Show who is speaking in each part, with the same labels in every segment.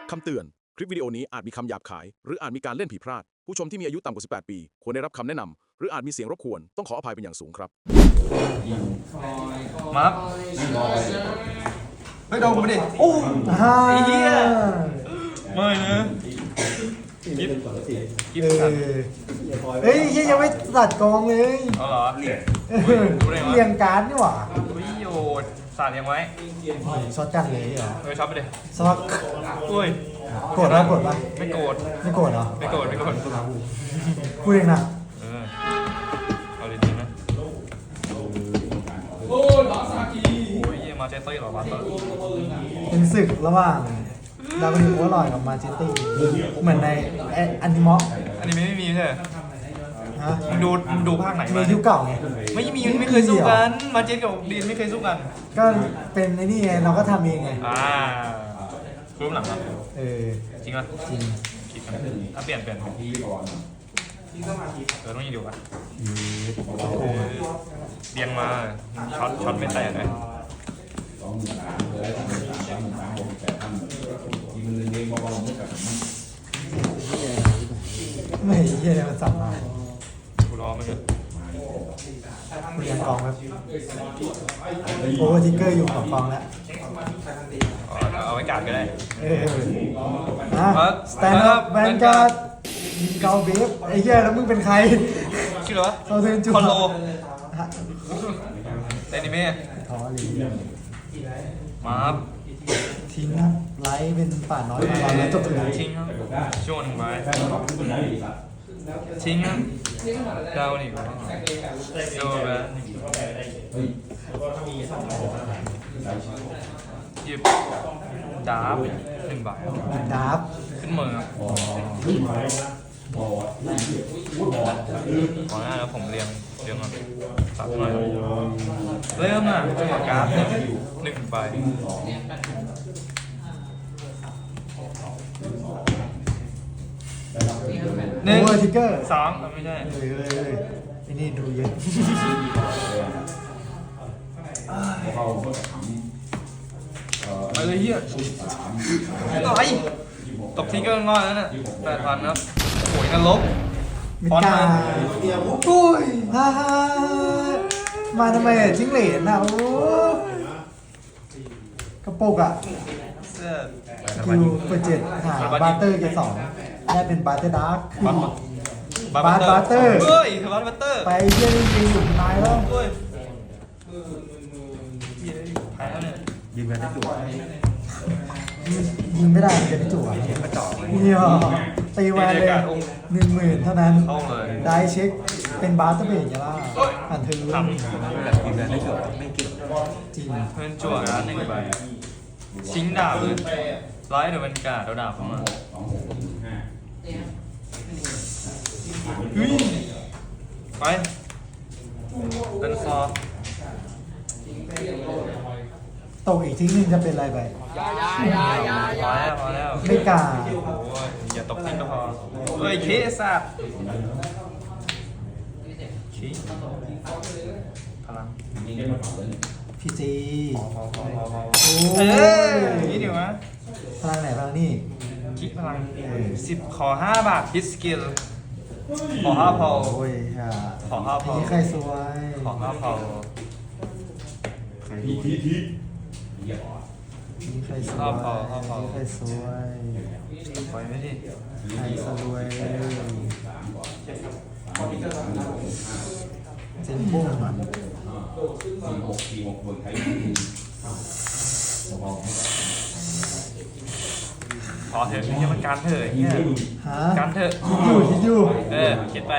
Speaker 1: คำเตือน คลิปวิดีโอนี้อาจมีคำหยาบคาย หรืออาจมีการเล่นผิดพลาด ผู้ชมที่มีอายุต่ำกว่า 18 ปี ควรได้รับคำแนะนำ หรืออาจมีเสียงรบกวน ต้องขออภัยเป็นอย่างสูงครับ
Speaker 2: มาครับเฮ้ยโดนกูไปดิโอ้ไอ้เหี้ยไม่นะกิฟสัน
Speaker 3: เฮ้ยยังไม่ตัดกองเลย
Speaker 2: เอาเหรอดูได้ไหม
Speaker 3: เรียงการ์ดนี่หว่า
Speaker 2: อุ้ยโยดสาดยังไว้
Speaker 3: ช็อตกันเลยเหรอ
Speaker 2: ช็อตไปดิ
Speaker 3: สวัก
Speaker 2: อุ้ย
Speaker 3: โกรธปะโกรธปะ
Speaker 2: ไม่โกรธ
Speaker 3: ไม่โกรธเหรอ
Speaker 2: ไม่โกรธไม่โกรธ
Speaker 3: พูดเองนะ
Speaker 2: เอาดีๆนะโอ้ยเยี่ยมาเจสซี่หรอมาเตอร์
Speaker 3: เป็นศึกระหว่างดาวดิโอลอยกับมาเจตตี้เหมือนในอนิมอ
Speaker 2: อันนี้ไม่มีใช่ไหม
Speaker 3: ฮะ
Speaker 2: มึงดูภาคไหน
Speaker 3: มี
Speaker 2: มา
Speaker 3: ยุคเก่าไง
Speaker 2: ไม่เคยสู้กันมาเจสกับดีนไม่เคยสู้กัน
Speaker 3: ก็เป็นในนี่ไงเราก็ทำเองไง
Speaker 2: รูปหลังครับ จริงป่ะ
Speaker 3: จริง
Speaker 2: คิดกันเปลี่ยนต้องยิงดูป่ะเบียงมาช็อตไม่แตกเลย
Speaker 3: ไม่เหี้ยมันสั่งมา
Speaker 2: กูรอมันอยู่
Speaker 3: เรียงกองครับโอเวอร์ทิกเกอร์อยู่กับกองแล้ว
Speaker 2: เอาไว้กาดก็ได้
Speaker 3: สแตนด์อัพแวนการ์ดเกาเบฟไอ้เหี้ยแล้วมึงเป็นใคร
Speaker 2: ชื่ออะไรวะ
Speaker 3: เขาเซนจู
Speaker 2: คอนโล
Speaker 3: ฮะ
Speaker 2: เอนิเมะ
Speaker 3: ท้อเลย
Speaker 2: มาครับ
Speaker 3: ทิ้งครับไลท์เป็นป่าน้อยมาแล้วจบเลย
Speaker 2: ทิ้งครับช่วงหนึ่งไว้ทิ้งครับดาวนี่โดนไปหยิบดาบ1 บาท
Speaker 3: ดับ
Speaker 2: ขึ้นมือครับขอหน้าแล้วผมเรียงก่อนสับหน่อยเริ่มอ่ะกราฟ1 ใบ
Speaker 3: โอเวอร์ทิกเกอร์
Speaker 2: 2ไม่ใช่
Speaker 3: เลยไอ้นี่ดูเยอะ
Speaker 2: ไปเลยเฮียอะไรตบทิ้งก็งอนแล้วน่ะ8,000ครับโอ้ยนรก
Speaker 3: มิกาอุ้ยฮ่าฮ่ามาทำไมจิ้งเหลนอ่ะโอ้กระปุกอ่ะ
Speaker 2: เสื้อ
Speaker 3: คิวเปิด7หาบาร์เตอร์เกสองได้เป็นบาร์เตอร์ดาร์ค บาร์เตอร์
Speaker 2: เฮ้ยบาร์เตอร์
Speaker 3: ไปเยี่ยมยิงอยู่ตายแล้ว
Speaker 2: เฮ้ยแพ้แล้วเนี่ย
Speaker 3: ยิงไปได้จุ๋ยิงไม่ได้มันจะได้จุ๋เนี่ยตีแวนเลย10,000เท่านั้น
Speaker 2: เข้าเลย
Speaker 3: ได้เช็คเป็นบาร์เตอร์เบรกอย่าล่ะผ่านเธอ
Speaker 2: ทำ
Speaker 3: ยิงได้จุ๋ไม่เกี่ยวจริง
Speaker 2: เพื่อนจั่วนะ1 ใบชิงดาบเลยไลท์เดอะบรรยากาศเราดาบเข้ามาเฮ้ยไปเดินซอ
Speaker 3: ตกอีกทิ้งนึงจะเป็นอะไรไป
Speaker 2: พอแล้ว
Speaker 3: ไม่กล้า
Speaker 2: โอ้ยอย่าตบทิ้งก็พอเฮ้ยเคสัตว์ชี้พลัง
Speaker 3: พี่จี
Speaker 2: พอ
Speaker 3: โอ้
Speaker 2: เอ้
Speaker 3: ย
Speaker 2: ยนี่เดี๋ยวนะ
Speaker 3: พลังไหนพลังนี่
Speaker 2: คิดพลัง10 ขอ 5 บาทพิสกิลขอ5 พอ
Speaker 3: โอ้ยฮะ
Speaker 2: ขอ5 พอ
Speaker 3: นี่ใครสวย
Speaker 2: ขอ5 พอ
Speaker 3: นี่ใครสวยนี่ใครสวย
Speaker 2: ปล่อยไม่ดิ
Speaker 3: ใครสวยเจนบุ้งมัน
Speaker 2: พอเถอะนี่มันการเถอะเนี่ย
Speaker 3: ฮะ
Speaker 2: การเถอะ
Speaker 3: คิดอยู่
Speaker 2: เขียนไป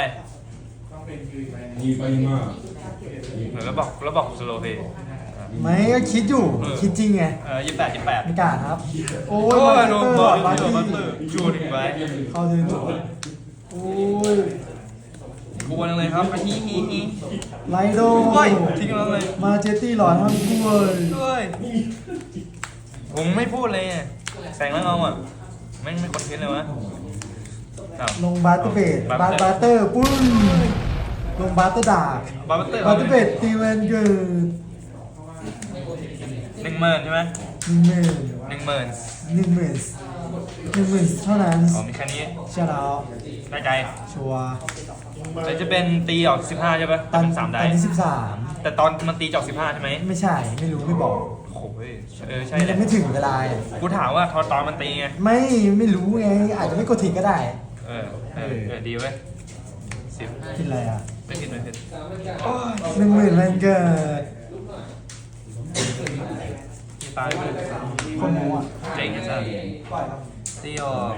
Speaker 2: เหมือนแล้วบอกสโลเพย์
Speaker 3: ไม่ก็คิดอยู่คิดจริงไง
Speaker 2: 28
Speaker 3: ไม่กล้าครับ โอ้
Speaker 2: โอ้
Speaker 3: ย
Speaker 2: ยโดนบอล
Speaker 3: บาร์
Speaker 2: โดน
Speaker 3: ตี้
Speaker 2: บัตเตอร์จูดอีกไป
Speaker 3: เข้าเทินโอ้ย
Speaker 2: กวนเลยครับฮี
Speaker 3: ไลโด
Speaker 2: เฮ้ยทิ้งแล้วเลย
Speaker 3: มาเจตตี้หลอนทั้งคู่เลย
Speaker 2: ด้วยผมไม่พูดเลยแต่งแล้วเอาอ่ะไม่คอนเทนต์เลยวะ
Speaker 3: ลงบาร์เตอร์เบดบาร์เตอร์ปุ้นลงบาร์เตอร์ดาบบ
Speaker 2: าร์เตอร์
Speaker 3: บาร์เตอร์เบดตีแวนเกิด
Speaker 2: 10,000ใช่ไหม
Speaker 3: 10,000 เท่านั้น
Speaker 2: อ๋อมีแค่นี้
Speaker 3: ใช่แล้ว
Speaker 2: ได้ใจ
Speaker 3: ชัวร์
Speaker 2: แล้วจะเป็นตีออก15ใช่ปะ
Speaker 3: ตอน
Speaker 2: เป็น3
Speaker 3: ต
Speaker 2: ได้
Speaker 3: อนที่13
Speaker 2: แต่ตอนมันตีออก15ใช่ไหม
Speaker 3: ไม่ใช่ไม่รู้ไม่บอก
Speaker 2: โอ้ยใช่
Speaker 3: มัน
Speaker 2: เล
Speaker 3: ยั
Speaker 2: ย
Speaker 3: งไม่ถึงเวลา
Speaker 2: กูถามว่าตอนมันตีไง
Speaker 3: ไม่รู้ไงอาจจะไม่กดทิ้งก็ได้
Speaker 2: ดีเว้ย10
Speaker 3: คิดอะไรอ่ะ
Speaker 2: ไม่ผิด
Speaker 3: 10,000มันเกิด
Speaker 2: ตายไป
Speaker 3: คนหัว
Speaker 2: เจ๋งจังตีออก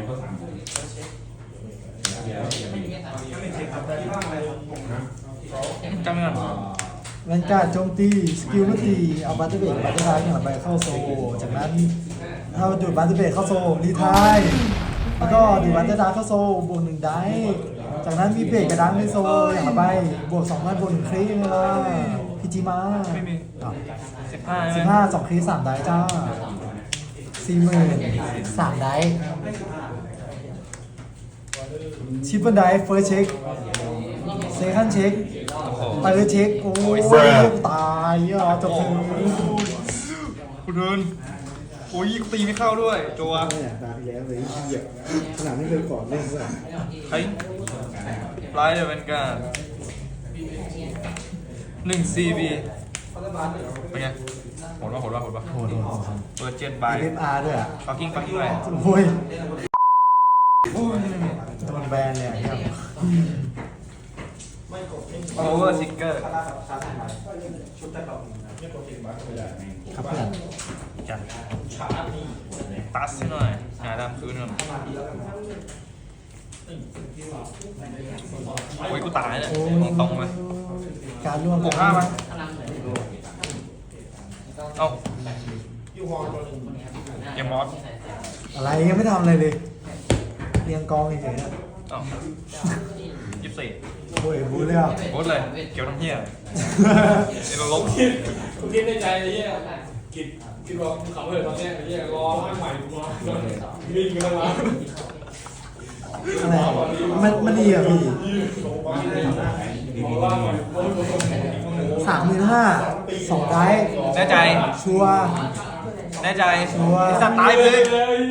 Speaker 2: จำไม่ก่อน
Speaker 3: แวนการ์ดโจมตีสกิลไม่ตีเอาบัตเตอร์เบรกบัตเตอร์ไทายอย่างละใบเข้าโซจากนั้นถ้าดูดบัตเตอร์เบรกเข้าโซรีไทายแล้วก็ดูดบัตเตอร์ดาร์เข้าโซบวก1ได้จากนั้นมีเบรกกระดังในโซอย่างละใบบวก2ได้บวก1ครีเวลาพีจีมา
Speaker 2: ไม่มี 15
Speaker 3: 15 2ครี3ได้จ้า 40,000 3ได้ชิปเปิลได้เฟิร์สเช็คเซคันด์เช็ค
Speaker 2: โอ้โห
Speaker 3: ไปเลยเช็คโอ้ยตายอ่ะจบเลย
Speaker 2: กูเดินโอ้ยกูตีไม่เข้าด้วยจัว
Speaker 4: เนี่ยตาที่แล้วเลยเหยียบขนาดไม่เคยก่อนเล่นด้วย
Speaker 2: เฮ้ยไลท์เดอะเวนการ์ด1 CB เป็นไงโหดปะเปิด7 ใบ
Speaker 3: เอฟอาร์ด้วยอ่ะ
Speaker 2: ปักกิ้งไป
Speaker 3: โอ้ยโดนแบนเลยอ่ะครับ
Speaker 2: โอเวอร์ซิกเกอร์
Speaker 3: ครับเพื่อน
Speaker 2: จัดตัสหน่อยหาดำคืนก่อนโอ้ยกูตายเนี่ยตรงไป
Speaker 3: การร่วม
Speaker 2: บวก5มั้ยเอ้าเกมมอส
Speaker 3: อะไรยังไม่ทำอะไรเลยเรียงกองเฉยๆอะ
Speaker 2: เอ้า24
Speaker 3: โอ้ยบูเลยอ่ะ
Speaker 2: โคตรเลยเกี่ยวน้ำเหี้ยเอ็นลบ
Speaker 5: กูคิดในใจไอ้เหี้ยคิดว่าขับเหินตอนเนี้ยไอ้เหี้ยรอร่างใหม่กูมาวิ่งกันมา
Speaker 3: อะไรมันดีอ่ะพี่35,000 2ได้
Speaker 2: แน่ใจ
Speaker 3: ชัวร์
Speaker 2: แน่ใจ
Speaker 3: ชัวร์
Speaker 2: ไอ้สัตว์ตายไปเลย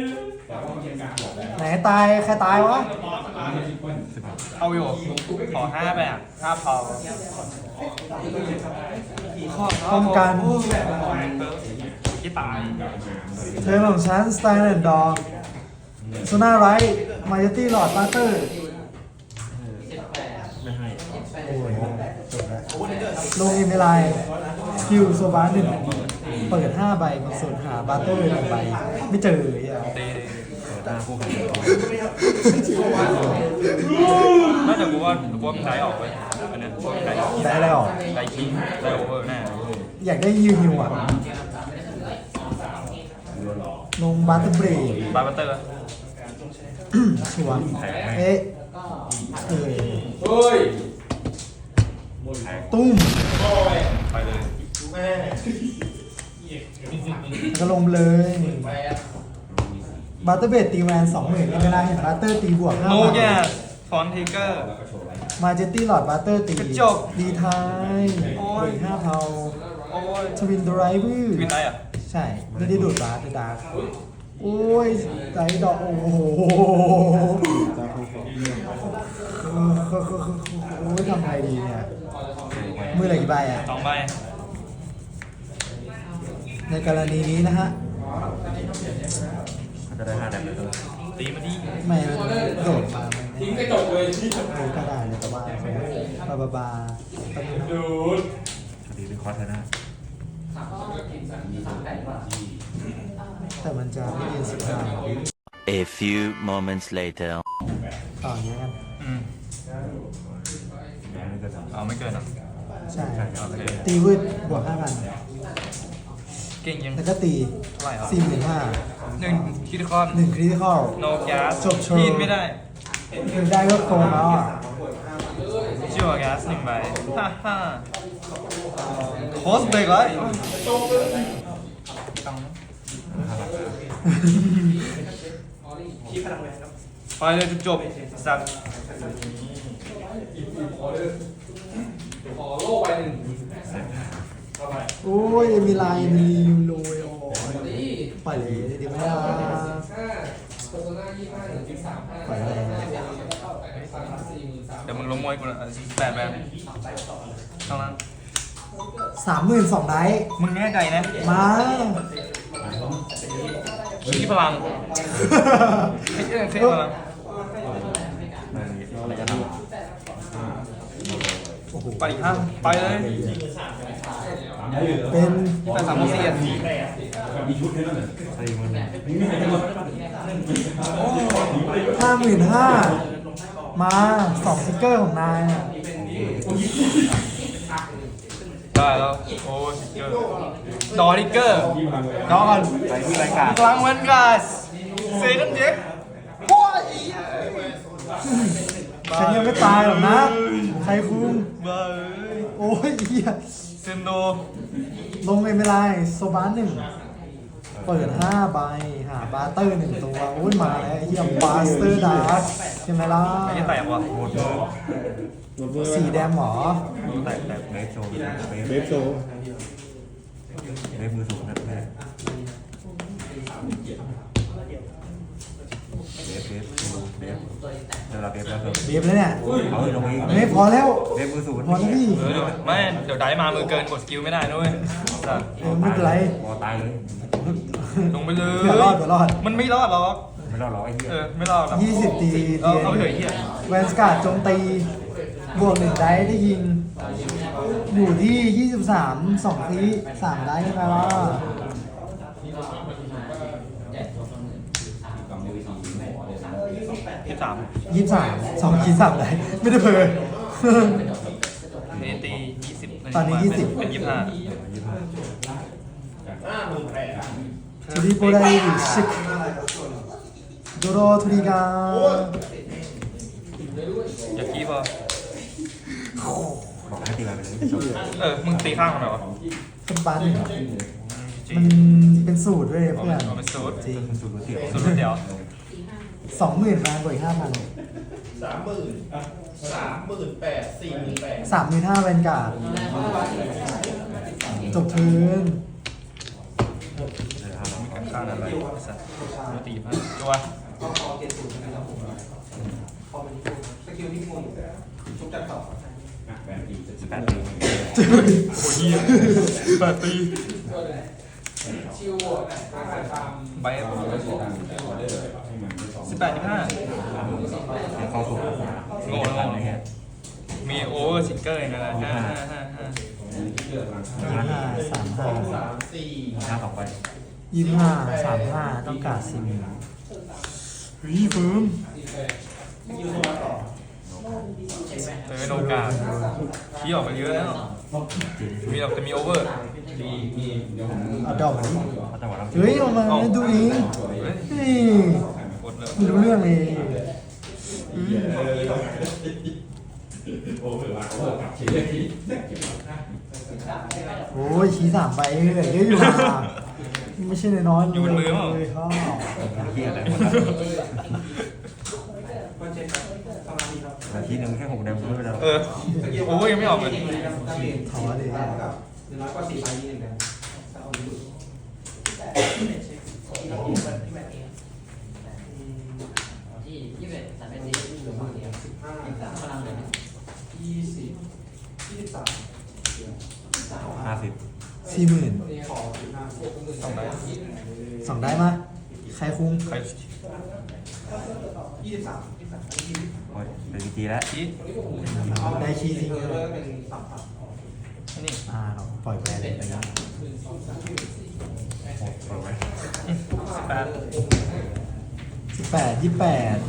Speaker 3: ไหนตายใครตายวะ
Speaker 2: เอาอยู่ขอ5ไปอ่ะ5พอ
Speaker 3: ป้องกัน
Speaker 2: ที่ตาย
Speaker 3: เธอของฉันสไตล์แอนด์ดอร์โซน่าไรท์มายตี้หลอดบัตเตอร์โอ้ยจบแล้วลงอินเมลายสกิลโซบา1เปิด5 ใบมาสูตรหาบัตเตอร์1 ใบ ไม่เจอเลยอ่ะ
Speaker 2: ตีน่าจะกูว่ามันได้ออกไปอันเนี้ยได้ออก
Speaker 3: ได้อะไรออก
Speaker 2: ได้คิงได้โอเวอร์แน่
Speaker 3: อยากได้ฮิวอ่ะ ลงบัตเตอร์เบรก
Speaker 2: บาร์บัตเตอร์
Speaker 3: ชัวร์เอ๊ะเออ
Speaker 5: เฮ้ย
Speaker 3: ตุ้ม
Speaker 2: ไปเลย
Speaker 3: ก็ลงเลยบัตเตอร์เบรกตีแวน20,000เวลาเห็นบัตเตอร์ตีบวก
Speaker 2: โนแก
Speaker 3: 5,000
Speaker 2: ฟอนทิกเกอร์
Speaker 3: มาเจตตี้หลอดบัตเตอร์ตี
Speaker 2: กระจก
Speaker 3: ดีไทย
Speaker 2: โอ้ย
Speaker 3: เบรก5 เทา
Speaker 2: โอ้ย
Speaker 3: ทวินดไรเวอร์
Speaker 2: วินได้อ่ะ
Speaker 3: ใช่ ไม่ได้ดูดบาร์ดดาร์กโอ้ยไดดอกโอ้โหโอ้ยทำไงดีเนี่ยมือเหลือกี่ใบอ่ะ
Speaker 2: 2 ใบ
Speaker 3: ในกรณีนี้นะฮะ
Speaker 4: จะได้5แดมเลย
Speaker 2: ตีมาดิ
Speaker 3: ไม่มันโดดมามัน
Speaker 5: ทิ้งกระจกเลยที่
Speaker 3: โอ้ก็ได้เลยแต่ว่าบา
Speaker 5: ดูด
Speaker 4: คดีเป็นคอร์สนะ
Speaker 3: แต่มันจะไม่เรียน15
Speaker 6: A few moments later.
Speaker 3: ต่ออย่างนี้กัน
Speaker 2: เอาไม่เกินอ่ะ
Speaker 3: ใช่
Speaker 2: โอเค
Speaker 3: ตีวืดบวก 5,000
Speaker 2: เก่งยัง
Speaker 3: แล้วก็ตี
Speaker 2: เท่าไหร่อ่ะ
Speaker 3: 45,000
Speaker 2: 1คิดคอน
Speaker 3: 1คริติคอล
Speaker 2: โนแกส
Speaker 3: จบโชว์
Speaker 2: ทีนไม่ได้
Speaker 3: ถึงได้ก็โกงแล้วอ่ะ
Speaker 2: จั่วแกส1 ใบฮ่าโคสเบรกเลยไปเลยจบสัตว์
Speaker 5: ขอโล่ไป1
Speaker 3: โอ้ยมีลายมียูโรโอ้ยปล่อยเลยดีไหมล่ะปล่อยเลย
Speaker 2: เดี๋ยวมึงล้มมวยกูนะ48แบบเท่านั้น
Speaker 3: 32,000ได้
Speaker 2: มึงแน่ใจนะ
Speaker 3: มา
Speaker 2: ขี้พลังเท่พลัง
Speaker 4: อะไรจะท
Speaker 3: โอ้โห
Speaker 2: ไปห้าไปเลย
Speaker 3: เป็น
Speaker 2: แต่3โมง4
Speaker 4: ำใส่มัน
Speaker 3: 55,000มา2สติ๊กเกอร์ของนายอะ
Speaker 2: ได้แล้วโอ้ยดอทิกเกอร์ดอก่อน
Speaker 4: ใส่ที่รายการ
Speaker 2: กลางเวนกัสเซคันด์เจ็คโอ้ย
Speaker 3: ฉันยังไม่ตายหรอกนะ ใครคุ้ม
Speaker 2: บ้า
Speaker 3: โอ้ยเหี้ย
Speaker 2: เซนโด
Speaker 3: ลงเลยไม่ได้โซบาน1เปิด5ใบหาบาร์เตอร์1ตัวโอ้ยมาแล้วไอ้เหี้ยบาสเตอร์ดาร์กใช่ไหมล่ะ
Speaker 2: ไม่ได้แตกว่ะ
Speaker 4: หมดมือ
Speaker 3: สีแดงหมอ
Speaker 4: แตกเบฟโชว์เบฟโชว์เบฟมือสูงนะแม่เบฟเดี๋ยวเราเบฟแล้วเบฟ
Speaker 3: เบียบแล้วเนี่ย
Speaker 4: เอาลงอีก
Speaker 3: ไม่พอแล้ว
Speaker 4: เบฟมือสูง
Speaker 3: พอแล้วพี่
Speaker 2: เดี๋ยวไม่เดี๋ยวได้มามือเกินกดสกิลไม่ได้ด้วยสัตว์
Speaker 3: ไม่เป็นไร
Speaker 4: บอตายเลย
Speaker 2: ลงไปเลย
Speaker 3: เผื่อรอดเผื่อรอด
Speaker 2: มันไม่รอดหรอก
Speaker 4: ไม่รอดหรอกไอ้เหี้ย
Speaker 2: ไม่รอดหรอก
Speaker 3: 20 ตี
Speaker 2: เอาไปเถอะไอ้เหี้ย
Speaker 3: แวนสการ์ดโจมตี บวก1ได้ได้ยิง อยู่ที่ 23 2คลิ3ได้ยังไงล่ะ
Speaker 2: 23
Speaker 3: 23 2คลิ3ได้ ไม่ได้เพลิน
Speaker 2: เนตี20
Speaker 3: ตอนนี้20
Speaker 2: เป็น25
Speaker 3: ทูริโปได้ชิคโดโรทูริกา
Speaker 2: อย่ากี้พอ
Speaker 4: บอกให้ตีไปเลย
Speaker 2: มึงตีข้างมันเหรอ
Speaker 3: เป็นปันมันเป็นสูตรด้วยเพื่อน
Speaker 2: เอาเป็นสูตร
Speaker 3: จริง
Speaker 4: สูตรเสีย
Speaker 2: สูตรเดียว
Speaker 3: 20,000มาบวกอีก 5,000 35,000แวนการ์ดจบเทิร์น
Speaker 2: ข้างอะไรสัตว์ตีมาตัว
Speaker 4: 18 ปี
Speaker 2: โอ้ย8 ปีใบ18 25
Speaker 4: เข้าสู่
Speaker 2: โง่แล้วไงมีโอเวอร์ซิงเกอร์นะ5
Speaker 3: 55
Speaker 4: 5 2 ไป
Speaker 3: 35 35ต้องการ4,000เฮ้ยเฟิร์ม
Speaker 2: เป็นโอกาสที่ออกไปเยอะแล้วมีออกจะมีโอเวอร์
Speaker 3: เอาดอกมาดิ
Speaker 4: จังหวะเรา
Speaker 3: เฮ้ยเอามาดูเองนี่
Speaker 2: กดเลย
Speaker 3: ไม่รู้เรื่องเลยโอ้ยชี้3ใบเลยเยอะอยู่นะไม่ใช่น้อยๆเลยครับ
Speaker 4: เฮียอะไรนาทีนึงแค่6 เดือนไม่เป็นไร
Speaker 2: โอเวอร์ยังไม่ออกเลย
Speaker 3: ถอเลย
Speaker 4: 50
Speaker 3: 40,000 2ได้มาใครคุ้ม
Speaker 2: ใคร
Speaker 4: โอ้ยเป็น PG แล้ว
Speaker 2: ชี้
Speaker 3: ได้คีย์ทิ้งเลย
Speaker 2: นี่
Speaker 3: ปล่อยแบนเลยไปแล้ว
Speaker 4: เปิดไว้
Speaker 2: 18
Speaker 3: 18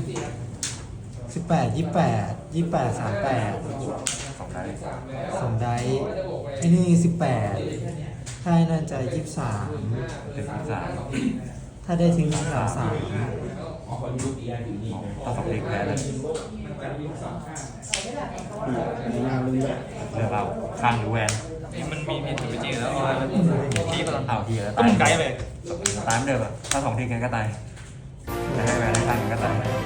Speaker 3: 28 28 28 38
Speaker 4: 2 ได้
Speaker 3: 2ได้ไอ้นี่18ถ้าไอ้นั่นจะ23
Speaker 4: เป็น3
Speaker 3: ถ้าได้ถึง33
Speaker 4: ต้อง2 เด็กแพ้เลยเลือกเราข้างหรือแวน
Speaker 2: นี่มันมีผิดจริงแล้วชี้พลัง
Speaker 4: เอาทีแล้ว
Speaker 2: ก็มึงไกด์เลย
Speaker 4: ตายเหมือนเดิมอะถ้า2 ทีกันก็ตายจะให้แวนได้ข้างกันก็ตาย